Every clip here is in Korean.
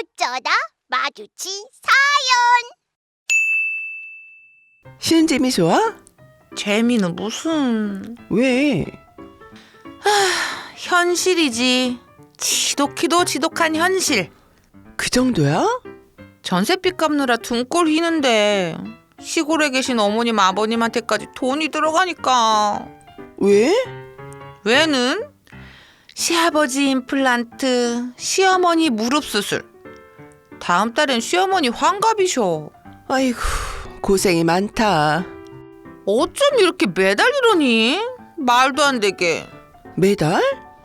어쩌다 마주친 쉬운 재미 좋아? 재미는 무슨... 왜? 현실이지. 지독히도 지독한 현실. 그 정도야? 전셋빚 갚느라 등골 휘는데 시골에 계신 어머님 아버님한테까지 돈이 들어가니까. 왜? 왜는? 시아버지 임플란트, 시어머니 무릎 수술. 다음 달엔 시어머니 환갑이셔. 아이고, 고생이 많다. 어쩜 이렇게 매달 이러니? 말도 안 되게. 매달?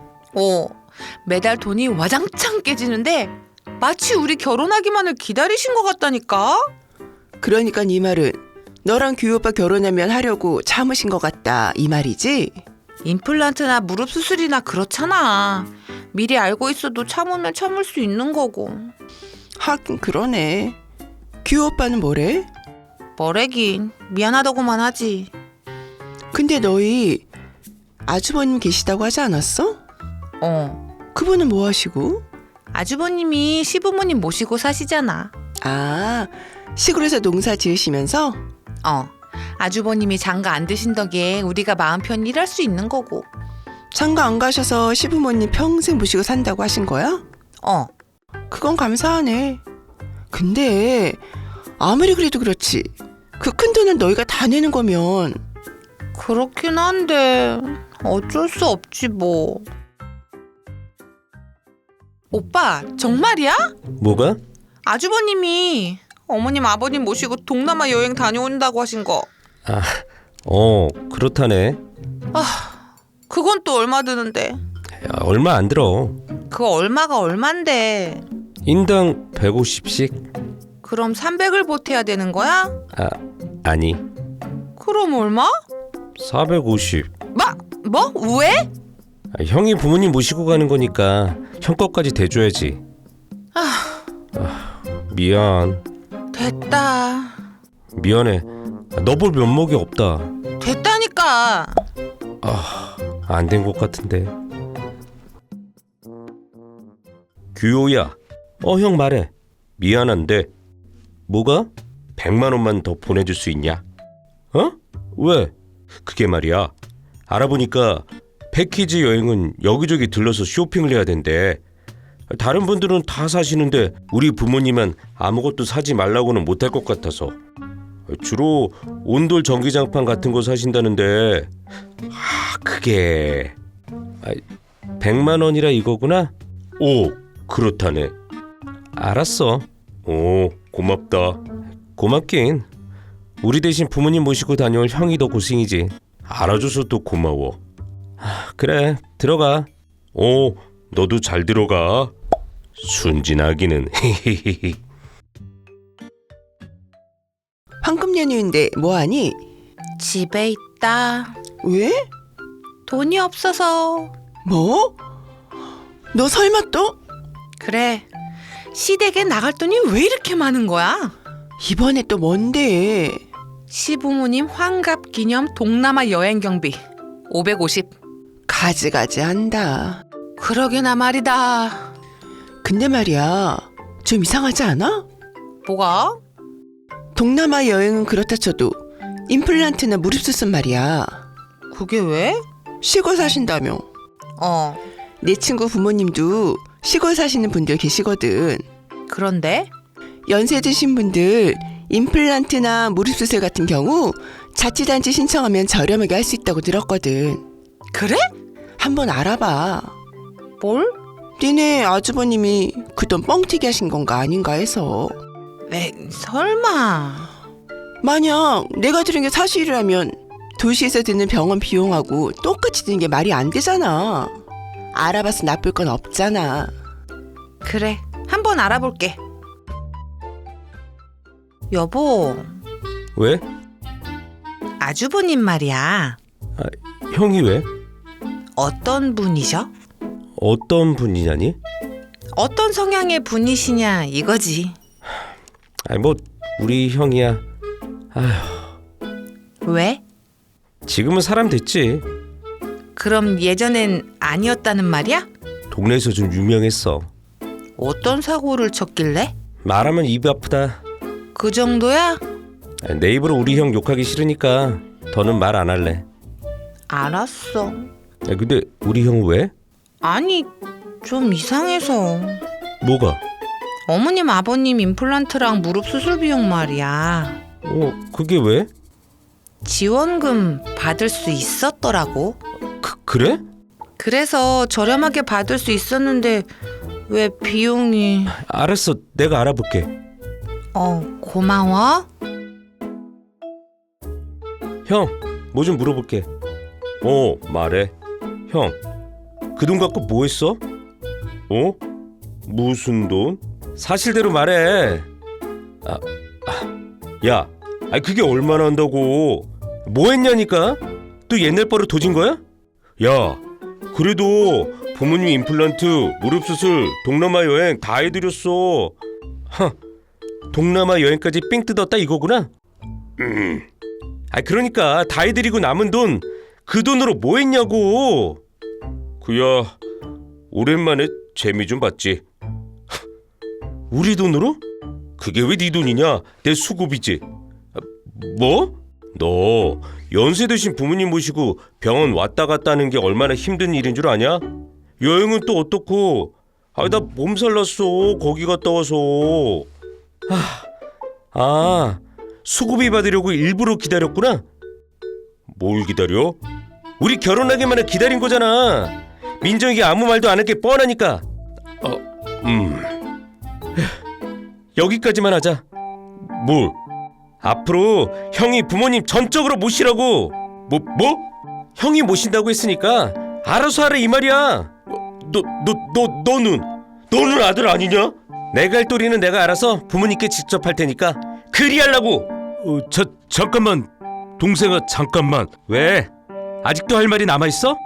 매달 돈이 와장창 깨지는데 마치 우리 결혼하기만을 기다리신 것 같다니까? 그러니까 네 말은 너랑 규 오빠 결혼하면 하려고 참으신 것 같다 이 말이지? 임플란트나 무릎 수술이나 그렇잖아. 미리 알고 있어도 참으면 참을 수 있는 거고. 하긴 그러네. 규 오빠는 뭐래? 뭐래긴 미안하다고만 하지. 근데 너희 아주버님 계시다고 하지 않았어? 그분은 뭐 하시고? 아주버님이 시부모님 모시고 사시잖아. 아, 시골에서 농사 지으시면서? 아주버님이 장가 안 드신 덕에 우리가 마음 편히 일할 수 있는 거고. 장가 안 가셔서 시부모님 평생 모시고 산다고 하신 거야? 그건 감사하네. 근데 아무리 그래도 그렇지 그 큰 돈을 너희가 다 내는 거면. 그렇긴 한데 어쩔 수 없지 뭐. 오빠 정말이야? 뭐가? 아주버님이 어머님 아버님 모시고 동남아 여행 다녀온다고 하신 거. 그렇다네. 그건 또 얼마 드는데? 야, 얼마 안 들어. 그거 얼마가 얼만데? 인당 150씩? 그럼 300을 보태야 되는 거야? 아니, 그럼 얼마? 450. 뭐? 왜? 형이 부모님 모시고 가는 거니까 형 것까지 대줘야지. 미안. 됐다. 미안해. 너 볼 면목이 없다. 됐다니까. 안 된 것 같은데. 규호야. 형 말해. 미안한데. 뭐가? 100만 원만 더 보내줄 수 있냐? 왜? 그게 말이야. 알아보니까 패키지 여행은 여기저기 들러서 쇼핑을 해야 된대. 다른 분들은 다 사시는데 우리 부모님은 아무것도 사지 말라고는 못할 것 같아서. 주로 온돌 전기장판 같은 거 사신다는데 그게 100만 원이라 이거구나? 그렇다네. 알았어. 고맙다. 고맙긴. 우리 대신 부모님 모시고 다녀올 형이 더 고생이지. 알아줘서 또 고마워. 그래, 들어가. 너도 잘 들어가. 순진하기는. 황금 연휴인데 뭐하니? 집에 있다. 왜? 돈이 없어서. 뭐? 너 설마 또? 그래. 시댁에 나갈 돈이 왜 이렇게 많은 거야? 이번에 또 뭔데? 시부모님 환갑 기념 동남아 여행 경비 550. 가지가지 한다. 그러게나 말이다. 근데 말이야, 좀 이상하지 않아? 뭐가? 동남아 여행은 그렇다 쳐도 임플란트나 무릎 수술 말이야. 그게 왜? 시골 사신다며. 내 친구 부모님도 시골 사시는 분들 계시거든. 그런데? 연세 드신 분들 임플란트나 무릎 수술 같은 경우 자치단체 신청하면 저렴하게 할 수 있다고 들었거든. 그래? 한번 알아봐. 뭘? 니네 아주버님이 그 돈 뻥튀기 하신 건가 아닌가 해서. 왜 설마. 만약 내가 들은 게 사실이라면 도시에서 드는 병원 비용하고 똑같이 드는 게 말이 안 되잖아. 알아봐서 나쁠 건 없잖아. 그래, 한번 알아볼게. 여보. 왜? 아주버님 말이야. 형이 왜? 어떤 분이셔? 어떤 분이냐니? 어떤 성향의 분이시냐 이거지. 우리 형이야. 왜? 지금은 사람 됐지. 그럼 예전엔 아니었다는 말이야? 동네에서 좀 유명했어. 어떤 사고를 쳤길래? 말하면 입이 아프다. 그 정도야? 내 입으로 우리 형 욕하기 싫으니까 더는 말 안 할래. 알았어. 근데 우리 형 왜? 아니, 좀 이상해서. 뭐가? 어머님 아버님 임플란트랑 무릎 수술 비용 말이야. 그게 왜? 지원금 받을 수 있었더라고. 그래? 그래서 저렴하게 받을 수 있었는데 왜 비용이... 알았어, 내가 알아볼게. 고마워. 형, 뭐 좀 물어볼게. 말해. 형, 그 돈 갖고 뭐 했어? 무슨 돈? 사실대로 말해. 야, 그게 얼마나 한다고? 뭐 했냐니까? 또 옛날 버릇 도진 거야? 야, 그래도 부모님 임플란트, 무릎 수술, 동남아 여행 다 해드렸어. 동남아 여행까지 삥 뜯었다 이거구나? 그러니까 다 해드리고 남은 돈, 그 돈으로 뭐 했냐고. 그야 오랜만에 재미 좀 봤지. 우리 돈으로? 그게 왜 네 돈이냐? 내 수고비지. 뭐? 너 연세 드신 부모님 모시고 병원 왔다 갔다 하는 게 얼마나 힘든 일인 줄 아냐? 여행은 또 어떻고? 나 몸살 났어 거기 갔다 와서. 수고비 받으려고 일부러 기다렸구나? 뭘 기다려? 우리 결혼하기만 해 기다린 거잖아. 민정이가 아무 말도 안 할 게 뻔하니까. 여기까지만 하자. 뭘? 앞으로 형이 부모님 전적으로 모시라고. 뭐? 형이 모신다고 했으니까 알아서 하라 이 말이야. 너는 아들 아니냐? 내가 할 도리는 내가 알아서 부모님께 직접 할 테니까 그리 하려고. 잠깐만 동생아, 잠깐만. 왜? 아직도 할 말이 남아있어?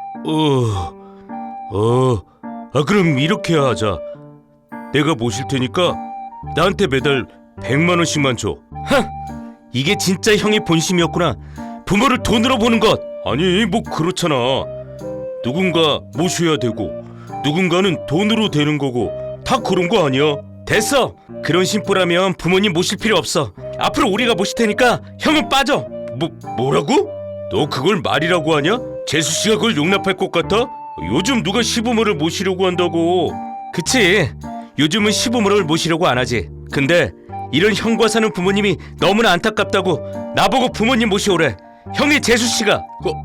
그럼 이렇게 하자. 내가 모실 테니까 나한테 매달 100만 원씩만 줘. 이게 진짜 형의 본심이었구나. 부모를 돈으로 보는 것. 아니 뭐 그렇잖아. 누군가 모셔야 되고 누군가는 돈으로 되는 거고 다 그런 거 아니야? 됐어. 그런 심보라면 부모님 모실 필요 없어. 앞으로 우리가 모실 테니까 형은 빠져. 뭐라고? 너 그걸 말이라고 하냐? 재수씨가 그걸 용납할 것 같아? 요즘 누가 시부모를 모시려고 한다고. 그치, 요즘은 시부모를 모시려고 안 하지. 근데 이런 형과 사는 부모님이 너무나 안타깝다고 나보고 부모님 모시오래. 형의 재수씨가.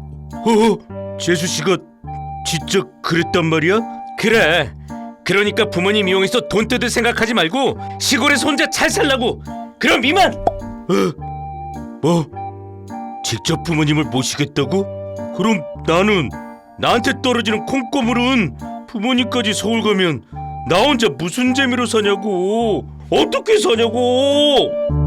재수씨가 진짜 그랬단 말이야? 그래. 그러니까 부모님 이용해서 돈 뜯을 생각하지 말고 시골에서 혼자 잘 살라고. 그럼 이만. 뭐? 직접 부모님을 모시겠다고? 그럼 나한테 떨어지는 콩고물은 부모님까지 서울 가면 나 혼자 무슨 재미로 사냐고. 어떻게 사냐고.